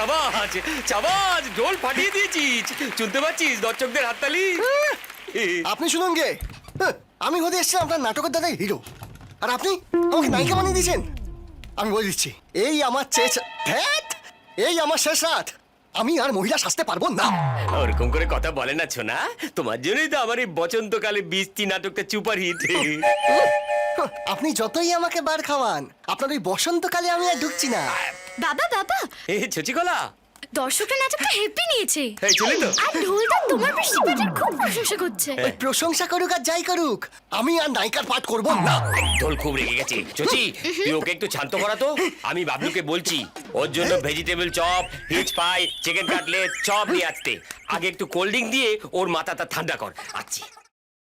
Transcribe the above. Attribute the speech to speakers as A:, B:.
A: চাবাজ চাবাজ ঢোল ফাটিয়ে দিয়েছিস, শুনতে পাচ্ছিস দর্শকদের হাততালি?
B: আপনি শুনুন গে, আমি হতে এসেছিলাম আপনার নাটকের দাদাই হিরো, আর আপনি আমাকে নায়িকা বানিয়ে দিয়েছেন। আমি বলে দিচ্ছি, এই আমার এই আমার শেষ রাত, আমি আর মহিলা সাজতে পারবো না।
A: ওরকম করে কথা বলে না ছোনা, তোমার জন্যই তো আমার এই বসন্তকালে বৃষ্টি নাটকটা সুপার হিট।
B: আপনি যতই আমাকে বার খাওয়ান, আপনার ওই বসন্তকালে আমি আর ঢুকছি না।
C: বাবা বাবা,
A: এ ছচিকলা,
C: দর্শকরা নাটকটা হ্যাপি নিয়েছে।
A: এই চলে তো।
C: আর ঢোলটা তোমার বৃষ্টি পাঠের খুব প্রশংসা করছে।
B: ওই প্রশংসা করুক আর যাই করুক, আমি আর নায়িকার পাঠ করবো না।
A: ঢোল খুব রেগে গেছে। চচি, তুই ওকে একটু শান্ত করা তো। আমি বাবলুকে বলছি ওর জন্য ভেজিটেবল চপ, হিচ পাই, চিকেন কাটলেট, চপ নিয়ে আসতে। আগে একটু কোল্ড ড্রিঙ্ক দিয়ে ওর মাথাটা ঠান্ডা কর। আচ্ছা